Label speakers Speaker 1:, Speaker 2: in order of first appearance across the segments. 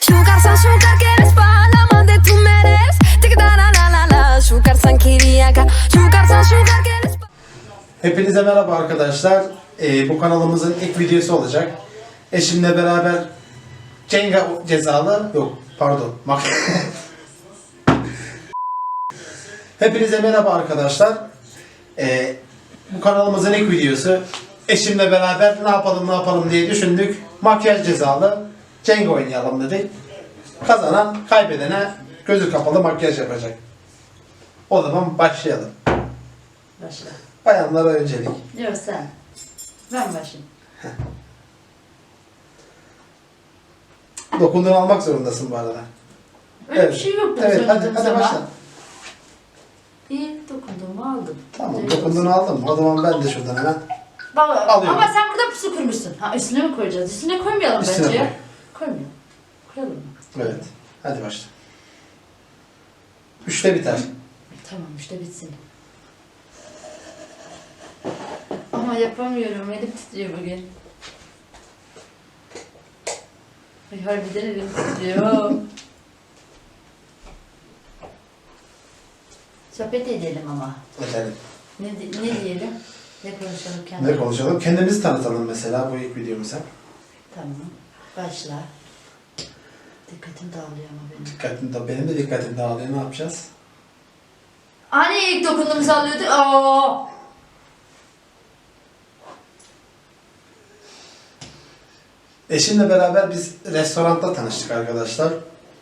Speaker 1: Şukarsan şukar quieres pa' la amante tú me eres. Tic da la la la la. Şukarsan kiriyaka. Şukarsan şukar quieres pa'.
Speaker 2: Hepinize merhaba arkadaşlar. Bu kanalımızın ilk videosu olacak. Eşimle beraber Cenga cezalı, yok pardon. Hepinize merhaba arkadaşlar. Bu kanalımızın ilk videosu. Eşimle beraber ne yapalım diye düşündük. Makyaj cezalı Cenga oynayalım dedik. Kazanan kaybedene gözü kapalı makyaj yapacak. O zaman başlayalım.
Speaker 3: Başla.
Speaker 2: Bayanlara öncelik.
Speaker 3: Yok sen. Ben başlayayım.
Speaker 2: Dokunduğunu almak zorundasın bu arada.
Speaker 3: Öyle bir şey yok.
Speaker 2: Evet, hadi başla.
Speaker 3: İyi, dokunduğumu aldım.
Speaker 2: Tamam,
Speaker 3: Öyle
Speaker 2: dokunduğunu
Speaker 3: olsun.
Speaker 2: aldım. O zaman ben de şuradan hemen
Speaker 3: Baba,
Speaker 2: alıyorum.
Speaker 3: ama sen burada pusu kurmuşsun. Ha, üstüne mi koyacağız? Üstüne koymayalım
Speaker 2: Üstüne
Speaker 3: bence
Speaker 2: koy.
Speaker 3: ya. Koymayalım. Koyalım mı?
Speaker 2: Evet. Hadi başla. 3'te biter.
Speaker 3: Tamam, işte bitsin. Ama yapamıyorum. Elim titriyor bugün. Ay harbiden elim titriyor. Sohbet edelim ama.
Speaker 2: Edelim.
Speaker 3: Ne diyelim? Ne konuşalım
Speaker 2: Ne
Speaker 3: kendimize?
Speaker 2: konuşalım? Kendimizi tanıtalım mesela bu ilk videomuza.
Speaker 3: Tamam. Başla. Dikkatim dağılıyor ama benim.
Speaker 2: Benim de dikkatim dağılıyor. Ne yapacağız?
Speaker 3: Hani ilk dokunduğumuzu alıyordu? Aa!
Speaker 2: Eşimle beraber biz restoranda tanıştık arkadaşlar.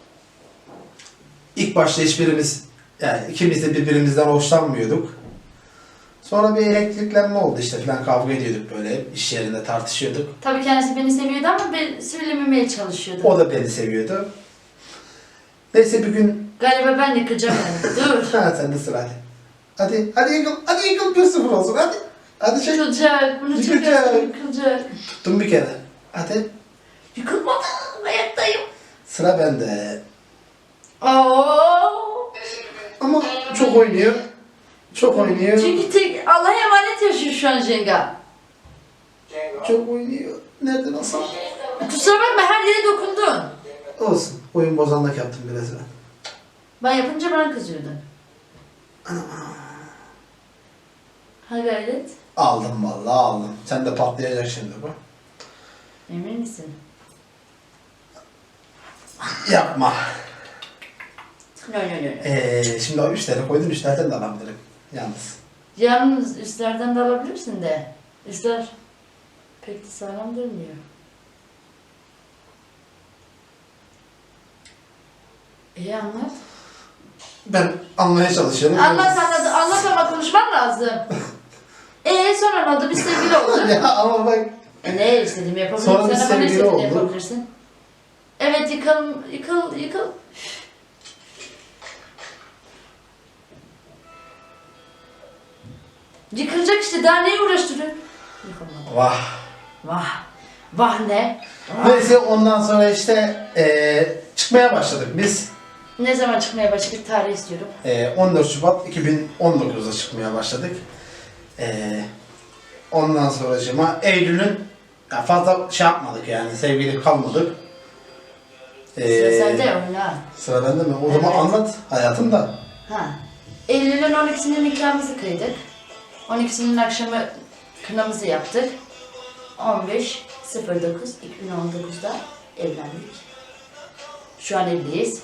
Speaker 2: İlk başta hiçbirimiz, yani ikimiz de birbirimizden hoşlanmıyorduk. Sonra bir elektriklenme oldu işte falan, kavga ediyorduk böyle, iş yerinde tartışıyorduk.
Speaker 3: Tabii kendisi beni seviyordu ama ben söylememeye çalışıyordu.
Speaker 2: O da beni seviyordu. Neyse bir gün...
Speaker 3: Galiba ben yıkacağım onu. Dur.
Speaker 2: Ha sen de sıra hadi. Hadi yıkıl 1-0 olsun hadi. Hadi çek.
Speaker 3: Yıkılacak. Bunu
Speaker 2: Yıkılacak.
Speaker 3: çekersin yıkılacak.
Speaker 2: Tuttum bir kere. Hadi.
Speaker 3: Yıkılmadı. Ayaktayım.
Speaker 2: Sıra bende.
Speaker 3: Aa!
Speaker 2: Ama çok oynuyor. Çok oynuyor.
Speaker 3: Çünkü tek Allah'a emanet yaşıyor şu an Cenga.
Speaker 2: Çok oynuyor. Nerede nasıl?
Speaker 3: Kusura bakma her yere dokundun.
Speaker 2: Olsun. Oyun bozanlık yaptım biraz ben.
Speaker 3: Ben yapınca bana kızıyordun. Ha gayret.
Speaker 2: Aldım vallahi aldım. Sen de patlayacak şimdi bu.
Speaker 3: Emin misin?
Speaker 2: Yapma.
Speaker 3: No.
Speaker 2: Şimdi o 3 tane koydun, 3 tane de alabilirim. Yalnız.
Speaker 3: Yalnız üstlerden de alabilirsin de. Üstler pek de sağlam durmuyor. Anlat.
Speaker 2: Ben anlamaya çalışıyorum.
Speaker 3: Anlat ama konuşman lazım. Sonra ne oldu? Biz sevgili olduk.
Speaker 2: Ya ama bak.
Speaker 3: Ne istediğimi yapabilirsin.
Speaker 2: Sonra biz
Speaker 3: Sen ama ne
Speaker 2: sevgili
Speaker 3: istediğini
Speaker 2: olduk.
Speaker 3: yapabilirsin. Evet yıkıl. Yıkılacak işte, daha neyi uğraştırıyorsun? Yıkılmadı. Vah ne?
Speaker 2: Neyse ondan sonra işte çıkmaya başladık biz.
Speaker 3: Ne zaman çıkmaya başladık? Tarih istiyorum.
Speaker 2: 14 Şubat 2019'da çıkmaya başladık. Ondan sonracığıma Eylül'ün ya fazla şey yapmadık yani, sevgili kalmadık.
Speaker 3: Sıra sende oyna.
Speaker 2: Sıra bende mi? O zaman
Speaker 3: Evet.
Speaker 2: anlat hayatım da.
Speaker 3: Eylül'ün 12'sinde nikahımızı kıydık. 12'sinin akşamı kınamızı yaptık. 15.09.2019'da evlendik. Şu an evliyiz.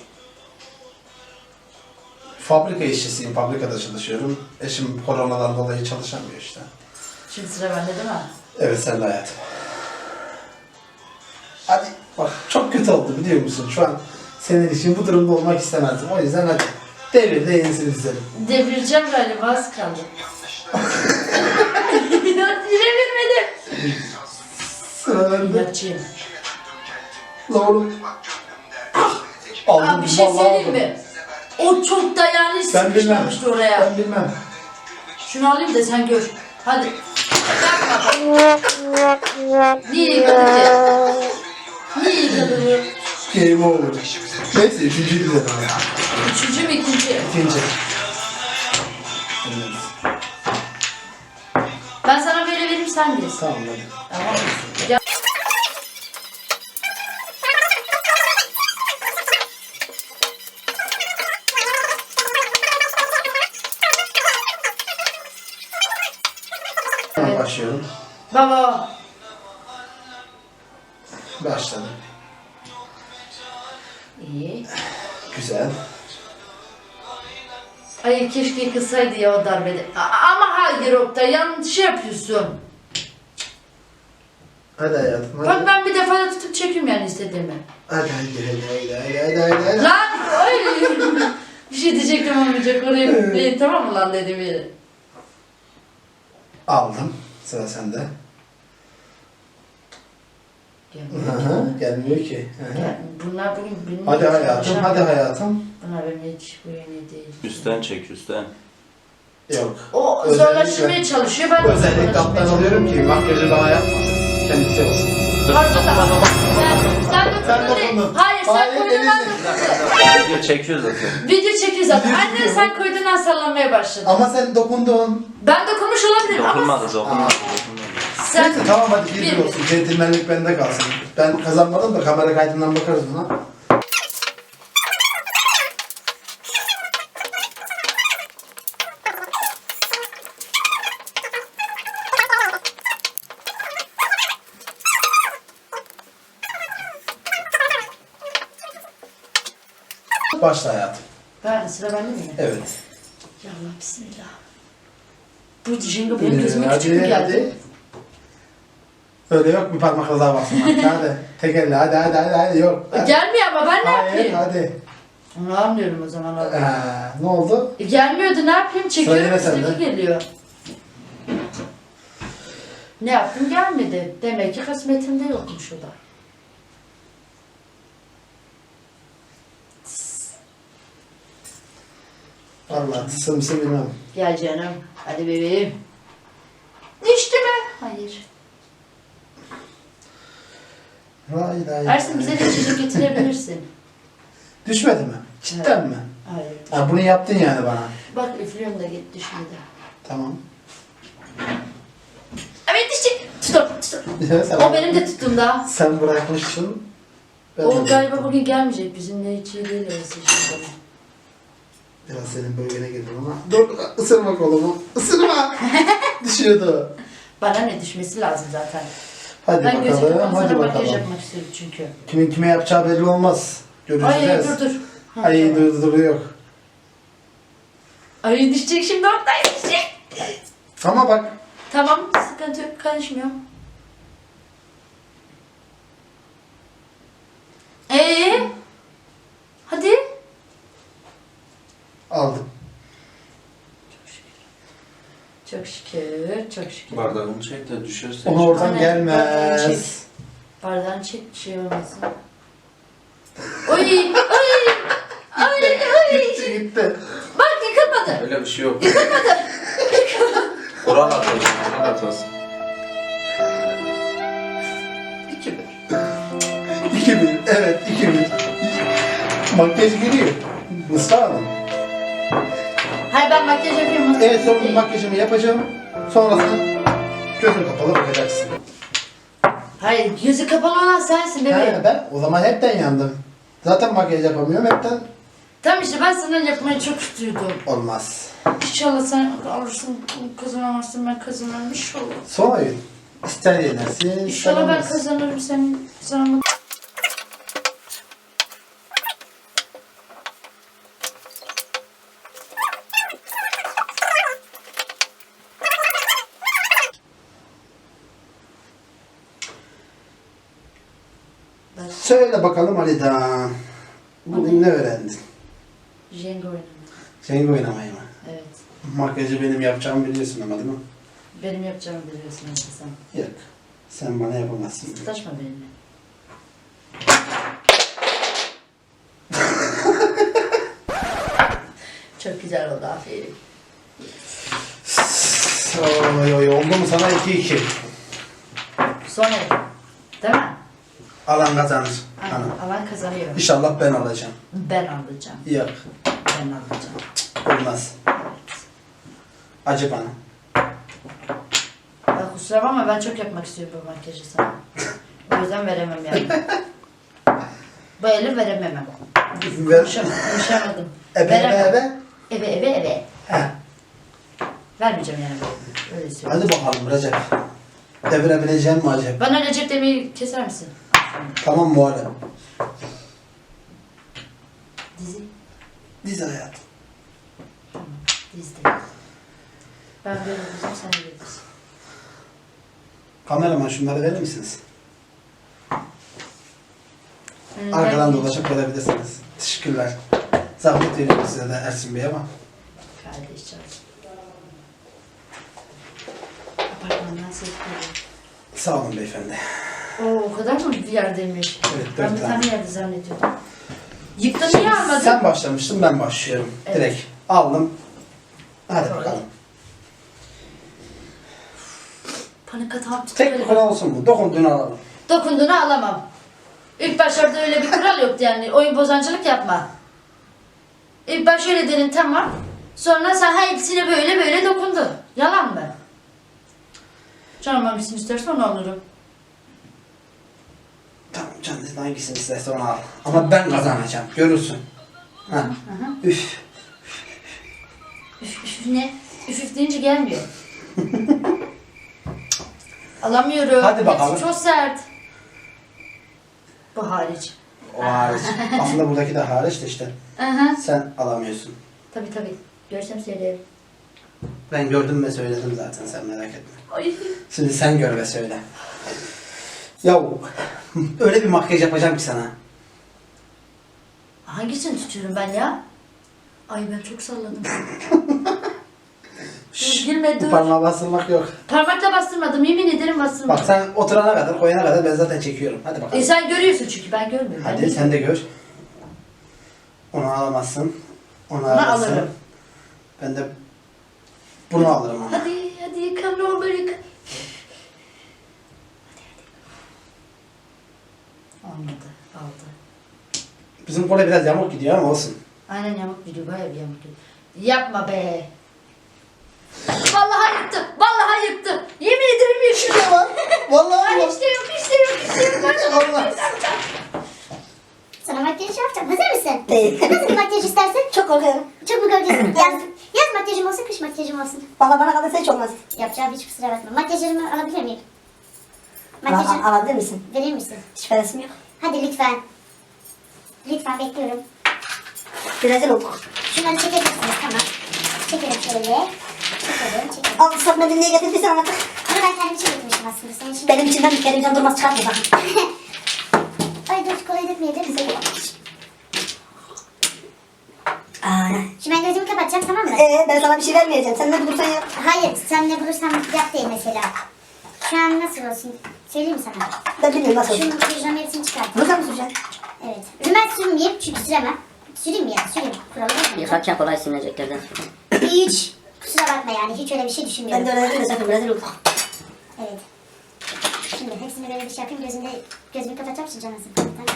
Speaker 2: Fabrika işçisiyim, fabrikada çalışıyorum. Eşim koronadan dolayı çalışamıyor işte.
Speaker 3: Şimdi sıra bende değil mi?
Speaker 2: Evet, sen de hayatım. Hadi bak, çok kötü oldu biliyor musun? Şu an senin için bu durumda olmak istemezdim. O yüzden hadi devir de yenisini izleyelim.
Speaker 3: Devireceğim galiba, az kaldı. Devirmedim.
Speaker 2: Sıra bende.
Speaker 3: Yatçıyım.
Speaker 2: Doğru. Aldım,
Speaker 3: Bir şey
Speaker 2: vallahi
Speaker 3: söyleyeyim
Speaker 2: aldım.
Speaker 3: mi? O çok dayanlı
Speaker 2: Ben bilmem.
Speaker 3: sıkışmamıştı oraya.
Speaker 2: Ben bilmem.
Speaker 3: Şunu alayım da sen gör. Hadi. Yapma. Niye yıkadın ki? Niye yıkadın?
Speaker 2: Game over. Neyse, üçüncüyü izledim.
Speaker 3: Üçüncü mü ikinci?
Speaker 2: İkinci.
Speaker 3: Ben sana böyle vereyim, sen de.
Speaker 2: Tamam hadi.
Speaker 3: Tamam. Ya- Baba.
Speaker 2: Başladım.
Speaker 3: İyi.
Speaker 2: Güzel.
Speaker 3: Ay keşke kısaydı ya o darbede. Ama hayır Oktay yanlış yapıyorsun.
Speaker 2: Hadi hayatım hadi.
Speaker 3: Bak ben bir defa da tutup çekiyorum yani istediğimi.
Speaker 2: Hadi. Hadi.
Speaker 3: Lan! Ay! Bir şey diyecektim olmayacak oraya. Tamam mı lan dedim yine.
Speaker 2: Aldım. Sıra sende. Gelmiyor ki.
Speaker 3: Bunlar bugün bilmiyorum.
Speaker 2: Hadi hayatım, hadi hayatım.
Speaker 3: Bunlar benim hiç bu yeni değil.
Speaker 4: Üstten çek üstten.
Speaker 2: Yok.
Speaker 3: O
Speaker 2: Özellikle-
Speaker 3: zorlaşmaya çalışıyor. Ben de
Speaker 2: Özellikle
Speaker 3: zorlaşmaya
Speaker 2: alttan
Speaker 3: çalışıyorum.
Speaker 2: alıyorum ki makyajı bana yapmasın. Kendisi olsun.
Speaker 3: Pardon da. Sen
Speaker 2: Sen
Speaker 3: dokundun değil.
Speaker 2: dokundun.
Speaker 3: Hayır sen
Speaker 2: Hayır,
Speaker 3: koydun
Speaker 2: elinle.
Speaker 3: ben dokundum.
Speaker 4: Video çekiyor zaten.
Speaker 3: Video çekiyor zaten.
Speaker 2: Video
Speaker 3: Anne
Speaker 2: çekiyor.
Speaker 3: sen koydun ben sallanmaya başladım.
Speaker 2: Ama sen dokundun.
Speaker 3: Ben dokunmuş olabilirim ama
Speaker 4: Dokunmadı.
Speaker 3: sen...
Speaker 2: Neyse tamam hadi bir
Speaker 3: Bir.
Speaker 2: olsun. Centilmenlik bende kalsın. Ben kazanmadım da kamera kaydından bakarız buna. Başla hayatım.
Speaker 3: Ben sıra bende mi?
Speaker 2: Evet.
Speaker 3: Ya Allah bismillah. Bu Jenga benim gözüme küçük mü
Speaker 2: Hadi,
Speaker 3: geldi?
Speaker 2: hadi. Öyle yok bir parmakla daha basmak. Hadi. Tek elle hadi yok. Hadi.
Speaker 3: Gelmiyor ama ben ne
Speaker 2: Hayır
Speaker 3: yapayım?
Speaker 2: hadi.
Speaker 3: Onu anlıyorum o zaman abi.
Speaker 2: Ne oldu?
Speaker 3: Gelmiyordu ne yapayım? Çekiyorum
Speaker 2: Söyle sen
Speaker 3: üstteki
Speaker 2: de.
Speaker 3: geliyor. Ne yaptım gelmedi. Demek ki kısmetimde yokmuş o da.
Speaker 2: Vallahi tısımsı bilmem.
Speaker 3: Gel canım. Hadi bebeğim. Düştü mü? Hayır.
Speaker 2: Vay
Speaker 3: Ersin bize de içecek getirebilirsin.
Speaker 2: Düşmedi mi? Cidden mi?
Speaker 3: Hayır.
Speaker 2: Ha bunu yaptın yani bana.
Speaker 3: Bak üflüyorum da git düşmedi.
Speaker 2: Tamam.
Speaker 3: Evet düşecek. Tutum.
Speaker 2: Sen
Speaker 3: O benim de tutumda.
Speaker 2: Sen bırakmışsın. Ben
Speaker 3: O
Speaker 2: de-
Speaker 3: galiba bugün gelmeyecek. Bizimle hiç iyi değil Ersin şimdi.
Speaker 2: Biraz senin bölgene girdim ama. Dur ısırma kolumu. Isırma. Düşüyordu.
Speaker 3: Bana ne düşmesi lazım zaten.
Speaker 2: Hadi
Speaker 3: Ben gözüküp
Speaker 2: bakalım. Hadi
Speaker 3: sonra makyaj
Speaker 2: bakalım.
Speaker 3: yapmak istiyorum çünkü.
Speaker 2: Kimin kime yapacağı belli olmaz. Göreceğiz.
Speaker 3: Ay dur. Ha,
Speaker 2: Ay
Speaker 3: tamam.
Speaker 2: dur yok.
Speaker 3: Ay düşecek şimdi ortaya düşecek.
Speaker 2: Ama bak.
Speaker 3: Tamam sıkıntı yok karışmıyorum. Hadi.
Speaker 2: Aldım.
Speaker 3: Çok şükür, çok şükür.
Speaker 4: Bardağını çek de düşerse.
Speaker 2: Ona oradan
Speaker 3: Aynen.
Speaker 2: gelmez.
Speaker 3: Bardağını çek bir şey olmasın. Oy.
Speaker 2: Gitti.
Speaker 3: Bak yıkılmadı.
Speaker 4: Öyle bir şey yok. Kur'an atılsın. Kur'an atılsın.
Speaker 3: 2-1.
Speaker 2: 2000. Evet 2000. Makyaj geliyor. Mustafa Hanım.
Speaker 3: Hayır ben makyaj yapıyorum.
Speaker 2: Evet son makyajımı yapacağım. Sonrasında gözün kapalı bakacaksın.
Speaker 3: Hayır gözü kapalı olan sensin bebeğim.
Speaker 2: Ben o zaman hepten yandım. Zaten makyaj yapamıyorum hepten.
Speaker 3: Tamam işte ben sana yapmayı çok istiyordum.
Speaker 2: Olmaz.
Speaker 3: İnşallah sen alırsın, kazanamazsın, ben kazanırım inşallah.
Speaker 2: Son oyun. İster yenersin,
Speaker 3: İnşallah ben
Speaker 2: ister
Speaker 3: kazanırım, sen kazanamadın.
Speaker 2: Söyle bakalım Ali'den. Bugün ne öğrendin?
Speaker 3: Jenga oynamayı.
Speaker 2: Jenga oynamayı mı?
Speaker 3: Evet.
Speaker 2: Makyajı benim yapacağımı biliyorsun ama değil mi?
Speaker 3: Benim yapacağımı biliyorsun işte sen.
Speaker 2: Yok. Sen bana yapamazsın.
Speaker 3: Tulaşma benimle. Çok güzel oldu aferin.
Speaker 2: Oy oldu mu sana 2-2.
Speaker 3: Son el. Değil mi?
Speaker 2: Alan kazanır.
Speaker 3: Aynen.
Speaker 2: Hanım.
Speaker 3: Alan kazanıyor.
Speaker 2: İnşallah ben alacağım.
Speaker 3: Ben alacağım.
Speaker 2: Yok.
Speaker 3: Ben alacağım.
Speaker 2: Olmaz. Acı bana.
Speaker 3: Ya kusura bakma ben çok yapmak istiyorum bu makyajı sana. O yüzden veremem yani. Bu eli veremem. Konuşamadım. Veremem. Ebe.
Speaker 2: Heh.
Speaker 3: Vermeyeceğim yani. Öyle söyleyeyim.
Speaker 2: Hadi bakalım Recep. devirebileceğim mi acaba?
Speaker 3: Bana Recep demeyi keser misin?
Speaker 2: Tamam Muharrem.
Speaker 3: Dizi.
Speaker 2: Dizi hayatım.
Speaker 3: Tamam. Dizide. Ben böyle dizim, sen böyle dizi.
Speaker 2: Kameraman şunları verir misiniz?
Speaker 3: Önünden
Speaker 2: Arkadan
Speaker 3: geç.
Speaker 2: dolaşıp verebilirsiniz. Teşekkürler. Zahmet veriyorum size de Ersin Bey ama.
Speaker 3: Kardeş canım. Apartmandan ses geliyor.
Speaker 2: Sağ olun beyefendi.
Speaker 3: O kadar mı bir yerdeymiş?
Speaker 2: Evet,
Speaker 3: Ben
Speaker 2: 4
Speaker 3: bir
Speaker 2: tane.
Speaker 3: tane yerde zannediyordum. Yıktın niye almadın?
Speaker 2: Sen başlamıştın, ben başlıyorum.
Speaker 3: Evet.
Speaker 2: Direkt aldım. Hadi
Speaker 3: Sonra.
Speaker 2: bakalım.
Speaker 3: Panik atağım
Speaker 2: Tek bir
Speaker 3: tutuyor.
Speaker 2: kural olsun bu. Dokunduğunu alalım.
Speaker 3: Dokunduğunu alamam. İlk başlarda öyle bir kural yoktu yani. Oyun bozancılık yapma. İlk baş öyle dedin tamam. Sonra sen hepsine böyle böyle dokundun. Yalan mı? Canım hangisini istersen onu alırım.
Speaker 2: Tamam canınızın hangisini isterse onu al. Ama ben kazanacağım. Görürsün. Ha. Üf.
Speaker 3: Üf üf ne? Üf üf deyince gelmiyor. Alamıyorum.
Speaker 2: Hadi bakalım.
Speaker 3: Hepsi çok sert. Bu hariç.
Speaker 2: O hariç. Aslında buradaki de hariç de işte.
Speaker 3: Aha.
Speaker 2: Sen alamıyorsun.
Speaker 3: Tabii. Görsem söylerim.
Speaker 2: Ben gördüm ve söyledim zaten, sen merak etme.
Speaker 3: Ay.
Speaker 2: Şimdi sen gör ve söyle. Yahu öyle bir makyaj yapacağım ki sana.
Speaker 3: Hangisini tutuyorum ben ya? Ay ben çok salladım.
Speaker 2: Şşş,
Speaker 3: Gülme,
Speaker 2: bu
Speaker 3: dur.
Speaker 2: parmağı bastırmak yok.
Speaker 3: Parmakla bastırmadım. Yemin ederim
Speaker 2: Bak
Speaker 3: bastırmadım.
Speaker 2: sen oturana kadar, koyana kadar ben zaten çekiyorum. Hadi bakalım.
Speaker 3: Sen görüyorsun çünkü ben görmüyorum.
Speaker 2: Hadi
Speaker 3: Ben
Speaker 2: sen de gör. Onu alamazsın. Onu
Speaker 3: Bunu
Speaker 2: alırsın.
Speaker 3: alırım.
Speaker 2: Ben de bunu alırım ama.
Speaker 3: Hadi yıka ne olur yıka. Olmadı. Aldı.
Speaker 2: Bizim kole biraz yamuk gidiyor ama olsun.
Speaker 3: Aynen yamuk gidiyor. Bayağı bir yamuk gidiyor. Yapma be. Vallahi yıktı. Vallahi yıktı. Yemin ederim yıktı.
Speaker 2: Vallahi
Speaker 3: Ay işte yok.
Speaker 2: Allah.
Speaker 5: Sana makyaj yapacağım. Hazır mısın?
Speaker 6: Değil.
Speaker 5: Nasıl bir makyaj istersin?
Speaker 6: Çok korkuyorum.
Speaker 5: Çok mu göreceksin? Yaz makyajım olsun, kış makyajım olsun.
Speaker 6: Valla bana kalırsa hiç olmaz.
Speaker 5: Yapacağım hiç kusura bakma. Makyajımı alabilir miyim? Makyajı
Speaker 6: Alabilir misin?
Speaker 5: verir misin?
Speaker 6: Hiç feresim yok.
Speaker 5: Hadi lütfen. Lütfen bekliyorum.
Speaker 6: Rezil olduk.
Speaker 5: Şunları çekebilirsiniz, tamam. Çekelim şöyle. Çekelim.
Speaker 6: Al ıslak mendil niye getirdiysen anlattık.
Speaker 5: Bunu ben kendim için getirmiştim aslında. Senin için...
Speaker 6: Benim içimden bir televizyon durmaz çıkartma bakın.
Speaker 5: Ay dur, kolay dökmeyebilir misin? Şimdi ben gözümü kapatacağım, tamam mı?
Speaker 6: Ben sana bir şey vermeyeceğim. Sen ne bulursan yap.
Speaker 5: Hayır, sen ne bulursan yap değil mesela. Şu an nasıl olsun? Söyleyeyim mi sana?
Speaker 6: Ben bilmiyorum nasıl
Speaker 5: Şunun
Speaker 6: olsun.
Speaker 5: pijamerisini çıkart.
Speaker 6: Burada mı süreceksin?
Speaker 5: Evet. Rümen sürmeyeyim çünkü süremem. Süreyim mi ya? Süreyim. Kuralı var mı?
Speaker 7: Yıkarken kolay silineceklerden.
Speaker 5: Hiç. Kusura bakma yani. Hiç öyle bir şey düşünmüyorum.
Speaker 6: Ben de öyle dedim de sakın rezil olduk.
Speaker 5: Evet. Şimdi hepsini böyle bir şey yapayım. Gözümü kapatacağım. Şu canısın.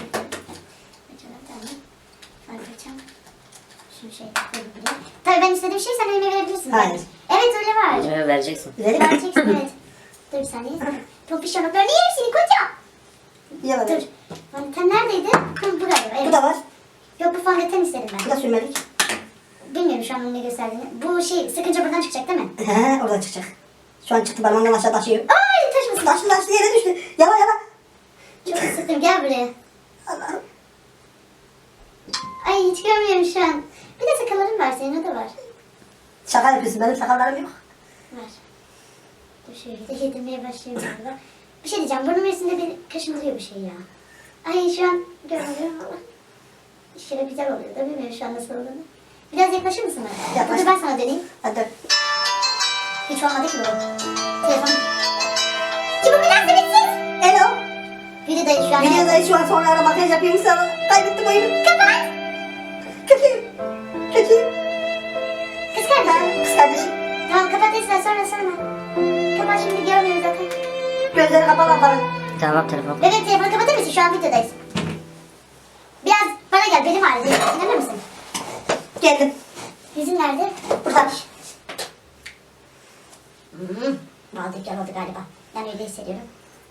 Speaker 5: Şunu şey koyayım buraya. Tabii ben istediğim şeyi sen elime verebilirsin.
Speaker 6: Hayır.
Speaker 5: Evet öyle var.
Speaker 7: Vereceksin.
Speaker 6: Verir
Speaker 5: Vereceksin evet. Dur bir saniye. Topiş yanıklarını yerim seni koca.
Speaker 6: Yiyemem.
Speaker 5: Dur. Fondöten neredeydi? Bu galiba. Evet.
Speaker 6: Bu da var.
Speaker 5: Yok bu fondöten istedim
Speaker 6: Bu
Speaker 5: ben.
Speaker 6: da sürmelik.
Speaker 5: Bilmiyorum şu an bunu ne gösterdiğini. Bu şey sıkınca buradan çıkacak değil mi?
Speaker 6: He, oradan çıkacak. Şu an çıktı parmağımdan aşağı taşıyor.
Speaker 5: Ay taşmasın.
Speaker 6: Taştı yere düştü. Yala yala.
Speaker 5: Çok sıktım gel buraya.
Speaker 6: Allah'ım.
Speaker 5: Ay hiç görmüyorum şu an. Bir de sakalların var senin o da var.
Speaker 6: Şaka yapıyorsun. Benim sakallarım yok.
Speaker 5: Var. Dur şöyle de yedirmeye başlayayım galiba. Bir şey diyeceğim burnum üstünde bir kaşındırıyor bir şey ya. Ay şu an görmüyorum ama. Şöyle güzel oluyor da bilmiyorum şu an nasıl olduğunu. Biraz yaklaşır mısın bana?
Speaker 6: Yaklaş.
Speaker 5: Dur ben sana döneyim.
Speaker 6: Hadi dön.
Speaker 5: Hiç olmadı ki bu. Telefon. Ki bu münasebetsiz.
Speaker 6: Hello.
Speaker 5: Videodayız şu an.
Speaker 6: Videoda şu an sonra ara makyaj yapıyorum sana. Kaybettim oyunu. Kapat. Kötüyüm. Kötüyüm.
Speaker 5: Kız kardeşim.
Speaker 6: Kız kardeşim.
Speaker 5: Tamam kapat Esra sonra. Kapat şimdi görmüyoruz zaten.
Speaker 6: Gözleri kapalı ablanın.
Speaker 7: Tamam telefon.
Speaker 5: Bebek telefonu kapatır mısın? Şu an videodayız. Biraz bana gel benim ağrıdı. İnanır mısın?
Speaker 6: Geldim.
Speaker 5: Yüzün nerede?
Speaker 6: Burada.
Speaker 5: Aldık oldu galiba. Ben öyle hissediyorum.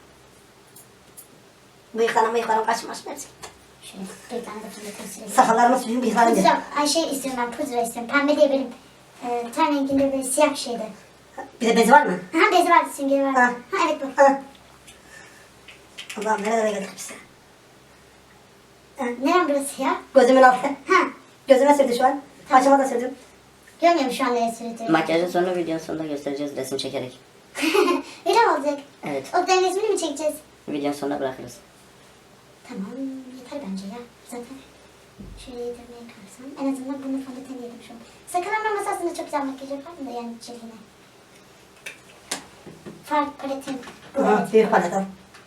Speaker 6: Bıyıklarım kaçmış hepsi.
Speaker 5: Şöyle bir tane de fındıklı süreyim.
Speaker 6: Sakallarımı suyum bıyıklarım diye.
Speaker 5: Pudra, ay şey istiyorum ben pudra istiyorum. Pembe değil benim. Ten renginde böyle siyah bir şeydi.
Speaker 6: Bir de bezi var mı?
Speaker 5: Ha bezi vardı, süngeri vardı.
Speaker 6: Ha.
Speaker 5: Ha evet bu.
Speaker 6: Ha. Allah'ım nerelere geldik biz ya.
Speaker 5: Nerem burası ya?
Speaker 6: Gözümün altı.
Speaker 5: Ha.
Speaker 6: Gözüme sürdü şu an. Başıma da sürdüm.
Speaker 5: Görmüyorum şu an nereye sürdüğümü.
Speaker 7: Makyajın sonra videonun sonunda göstereceğiz resim çekerek.
Speaker 5: Öyle mi olacak?
Speaker 7: Evet.
Speaker 5: Oktay'ın resmini mi çekeceğiz?
Speaker 7: Videonun sonuna bırakırız.
Speaker 5: Tamam yeter bence ya. Zaten şöyle yedirmeye kalksam. En azından bunu fondöten yedim şu an. Sakın aslında çok güzel makyaj yaparım da yani cildine. Far paletim. Bu
Speaker 6: Aha,
Speaker 5: evet.
Speaker 6: büyük palet al.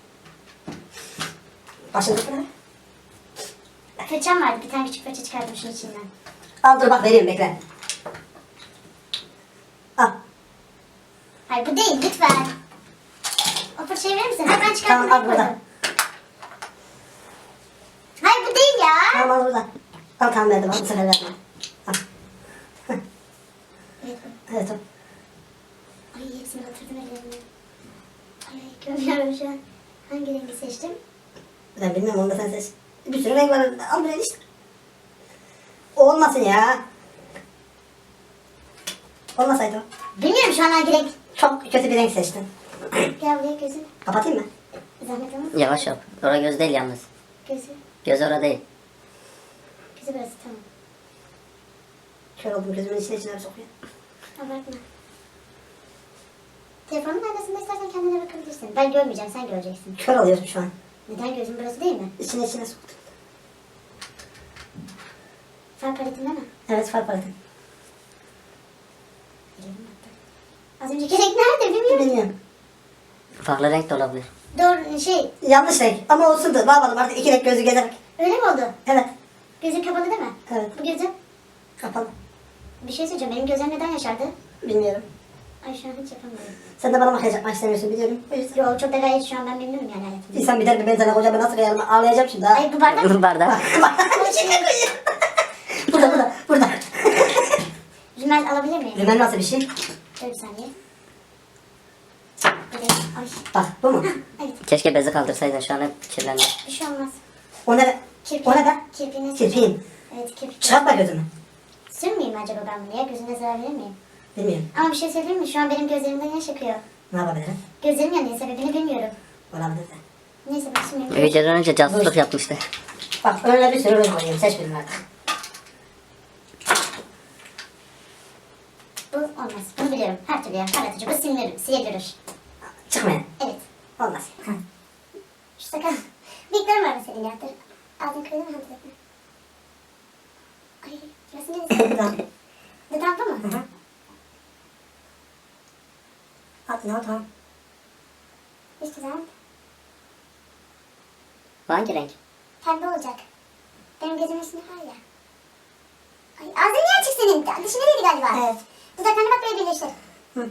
Speaker 6: Başını tutma.
Speaker 5: Fırçam vardı. Bir tane küçük fırça çıkardım şunun içinden.
Speaker 6: Al dur bak vereyim bekle. Al.
Speaker 5: Hayır bu değil lütfen. O fırçayı verir misin? Hayır ben çıkarttım.
Speaker 6: Tamam al
Speaker 5: ben
Speaker 6: burada.
Speaker 5: koydum. Hayır bu değil ya.
Speaker 6: Tamam al burada. Al tamam verdim al bu sefer verdim. Al.
Speaker 5: Evet bu.
Speaker 6: Evet o.
Speaker 5: Ay hepsini batırdım ellerine. Ay görmüyorum şu an. Hangi rengi seçtim?
Speaker 6: Ben bilmiyorum onu da sen seç. Bir sürü renk var. Al buraya işte. O olmasın ya. Olmasaydı o.
Speaker 5: Bilmiyorum şu an hangi renk.
Speaker 6: Çok kötü bir renk seçtin.
Speaker 5: Gel buraya gözün.
Speaker 6: Kapatayım mı?
Speaker 5: Zahmet olmaz.
Speaker 7: Yavaş yap. Orada göz değil yalnız.
Speaker 5: Gözü.
Speaker 7: Göz orada değil.
Speaker 5: Gözü burası tamam.
Speaker 6: Kör oldum gözümün içine sokuyor.
Speaker 5: Abartma. Telefonun arkasında istersen kendine bakabilirsin. Ben görmeyeceğim sen göreceksin.
Speaker 6: Kör oluyorsun şu an.
Speaker 5: Neden gözün burası değil mi?
Speaker 6: İçine soktum.
Speaker 5: Far paletin değil mi?
Speaker 6: Evet far paletim.
Speaker 5: Elim battı. Az önceki renk nerede bilmiyorum.
Speaker 6: Bilmiyorum.
Speaker 7: Farklı renk de olabilir.
Speaker 5: Doğru şey
Speaker 6: Yanlış renk ama olsun da ne yapalım artık iki renk gözü gezerek.
Speaker 5: öyle mi oldu?
Speaker 6: Evet.
Speaker 5: Gözün kapalı değil mi?
Speaker 6: Evet.
Speaker 5: Bu gözün.
Speaker 6: Kapalı.
Speaker 5: Bir şey söyleyeceğim. Benim gözlerim neden yaşardı?
Speaker 6: Bilmiyorum.
Speaker 5: Ay şu an hiç yapamıyorum.
Speaker 6: Sen de bana makyaj yapmak istemiyorsun biliyorum. O yüzden.
Speaker 5: Yo çok da gayet şu an ben memnunum yani hayatımda.
Speaker 6: İnsan biter mi ben sana kocama nasıl kıyarım ağlayacağım şimdi ha.
Speaker 5: Ay bu bardak.
Speaker 7: Bardak.
Speaker 6: Bak içine koyayım. Burada.
Speaker 5: Rimel alabilir miyim?
Speaker 6: Rimel nasıl bir şey?
Speaker 5: Dur bir saniye. Evet. Ay.
Speaker 6: Bak bu mu?
Speaker 5: Evet.
Speaker 7: Keşke bezi kaldırsaydın şu an hep kirlendi.
Speaker 5: Bir şey olmaz.
Speaker 6: O ne? O ne be?
Speaker 5: Kirpiğine
Speaker 6: Kirpiğin.
Speaker 5: Evet kirpik.
Speaker 6: Çıkartma gözünü.
Speaker 5: Sürmeyeyim mi acaba ben bunu ya? Gözüne zarar verir miyim?
Speaker 6: Bilmiyorum.
Speaker 5: Ama bir şey söyleyeyim mi? Şu an benim gözlerimden yaş akıyor.
Speaker 6: Ne yapabilirim?
Speaker 5: Gözlerim yanıyor. Sebebini bilmiyorum.
Speaker 6: Olabilir de.
Speaker 5: Neyse bak şimdi.
Speaker 7: Videodan önce casusluk yapmıştı.
Speaker 6: Bak önüne bir sürü renk koyayım. Seç birini artık.
Speaker 5: Bu olmaz. Bunu biliyorum. Her türlü ya. Parlatıcı. Bu silinir.
Speaker 6: Çıkmayın.
Speaker 5: Evet.
Speaker 6: Olmaz.
Speaker 5: Şu sakal. Bıyıklarım var mesela ya. Dur. Ağzını kırdı mı? Hadi bakma. Ay. Burası neresi?
Speaker 6: Tamam.
Speaker 5: Dudağım bu mu?
Speaker 6: Hı hı. Al tamam.
Speaker 5: Üst dudağım.
Speaker 7: Bu hangi renk?
Speaker 5: Pembe olacak. Benim gözümün üstünde var ya. Ay ağzın niye açık senin? Dişin nereydi galiba?
Speaker 6: Evet.
Speaker 5: Dudaklarını bak böyle birleştir.
Speaker 6: Hı.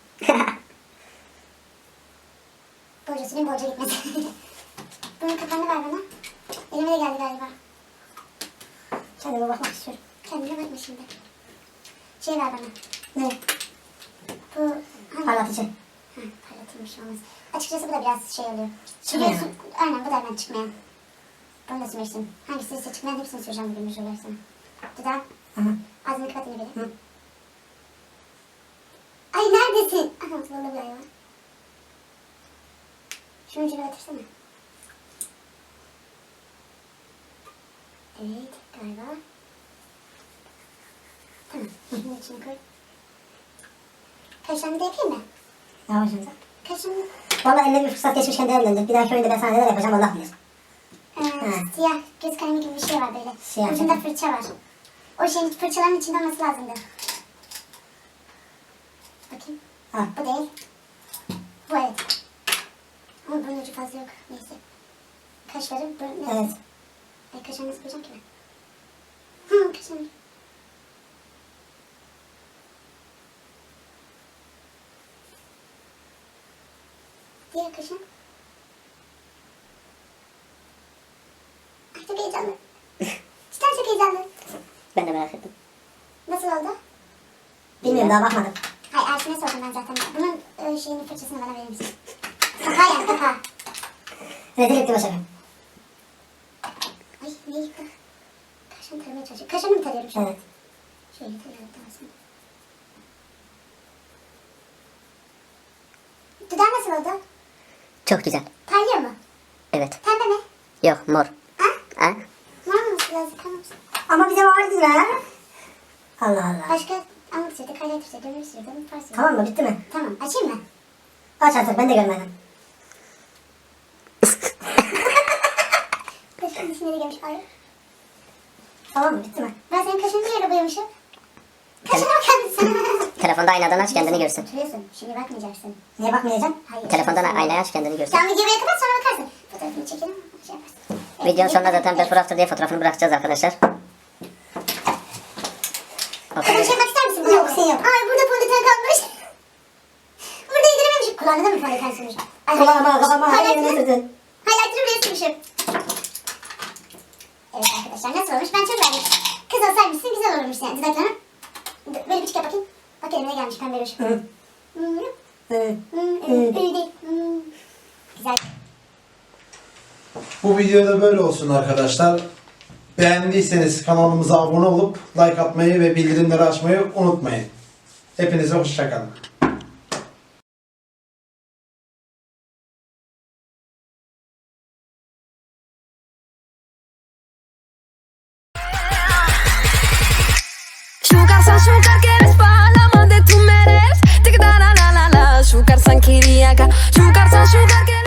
Speaker 5: Bolca süreyim bolca gitmesin. Bunun kapağını ver bana. Elime de geldi galiba.
Speaker 6: Kendime bakmak istiyorum.
Speaker 5: Kendine bakma şimdi. Şey ver bana.
Speaker 6: Ne?
Speaker 5: Bu hangi?
Speaker 6: Parlatıcı.
Speaker 5: Ha, parlatılmış olmaz. Açıkçası bu da biraz şey oluyor.
Speaker 6: Çıkmayan.
Speaker 5: Biliyorsun, aynen bu da hemen çıkmayan. Bunu da sürmüştüm. Hangisi ise çıkmayan hepsini süreceğim bugün bir şeyler sana. Dudağım.
Speaker 6: Hı hı.
Speaker 5: Ağzını kapat yine beni.
Speaker 6: Hı.
Speaker 5: Ay neredesin? Aha tuvalı bir ay var. Şunun ucuna batırsana. Evet galiba. Tamam. Şunun içine koy. Kaşlarını da yapayım mı?
Speaker 6: Ne yapacaksın sen?
Speaker 5: Kaşlarını
Speaker 6: Valla eline bir fırsat geçmişken değerlendir. Bir dahaki oyunda ben sana neler yapacağım Allah bilir.
Speaker 5: siyah göz kalemi gibi bir şey var böyle.
Speaker 6: Siyah.
Speaker 5: Ucunda fırça var. O şeyin fırçaların içinde olması lazımdı. Bakayım.
Speaker 6: Ha.
Speaker 5: Bu değil. Bu evet. Ama bunun ucu fazla yok. Neyse. Kaşları bu ne?
Speaker 6: Evet.
Speaker 5: Ay kaşlarını nasıl koyacağım ki ben? Hı kaşlarını. Diğer kaşın. Ay çok heyecanlı. Cidden çok heyecanlı.
Speaker 7: Ben de merak ettim.
Speaker 5: Nasıl oldu?
Speaker 6: Bilmiyorum daha bakmadım.
Speaker 5: Hayır Ersin'e sordum ben zaten. Bunun şeyini fırçasını bana verir misin? Kapağı yani kapağı.
Speaker 6: Rezil etti başarı.
Speaker 5: Ay ne yıktı? Kaşını taramaya çalışıyorum. Kaşını mı tarıyorum şu an?
Speaker 6: Evet.
Speaker 5: Şöyle tarıyorum daha sonra. oldu?
Speaker 7: Çok güzel.
Speaker 5: Parlıyor mu?
Speaker 7: Evet.
Speaker 5: Pembe mi?
Speaker 7: Yok mor.
Speaker 5: Ha?
Speaker 7: Ha?
Speaker 5: Var mı biraz yıkanmışsın?
Speaker 6: Ama bize vardı ya. Allah Allah.
Speaker 5: Başka anlık sürdü, highlighter sürdü, ömür sürdü, far sürdü.
Speaker 6: Tamam mı? Bitti mi?
Speaker 5: Tamam, açayım mı?
Speaker 6: Aç artık, ben de görmedim.
Speaker 5: Kaşın içine de gelmiş. Ay.
Speaker 6: Tamam mı? Bitti mi?
Speaker 5: Ben senin kaşını niye öyle boyamışım? Kaşına bakar mısın?
Speaker 7: Telefonda aynadan aç kendini görsün.
Speaker 5: Oturuyorsun, şimdi bakmayacaksın.
Speaker 6: Niye bakmayacağım?
Speaker 5: Hayır.
Speaker 7: Telefondan aynayı aç kendini görsün.
Speaker 5: Sen videoyu kapat sonra bakarsın. Fotoğrafını çekelim, şey yaparsın. Evet,
Speaker 7: Videonun sonunda zaten
Speaker 5: evet.
Speaker 7: before after diye fotoğrafını bırakacağız arkadaşlar.
Speaker 5: Kızım şey yapmak ister misin?
Speaker 6: Yok, şey yok.
Speaker 5: Ay burada fondöten kalmış. Burada yedirememişim. Kulağına da mı fondöten sürmüş? Ay,
Speaker 6: Kulağıma, kafama, her yerine
Speaker 5: highlighter'ı-
Speaker 6: sürdün.
Speaker 5: highlighter'ı buraya sürmüşüm. Evet arkadaşlar nasıl olmuş? Ben çok beğendim. Kız olsaymışsın güzel olurmuş yani. Dudaklarına böyle bir çık bakayım. Bak elime gelmiş pembe ruj.
Speaker 6: Hı. Hı.
Speaker 5: Öyle değil. Güzel.
Speaker 2: Bu videoda böyle olsun arkadaşlar. Beğendiyseniz kanalımıza abone olup like atmayı ve bildirimleri açmayı unutmayın. Hepinize hoşçakalın.
Speaker 1: Şukar san şukar quieres pa' la más de tu meres. Tic da la la la la. Şukar san kiriaka. Şukar san şukar quieres.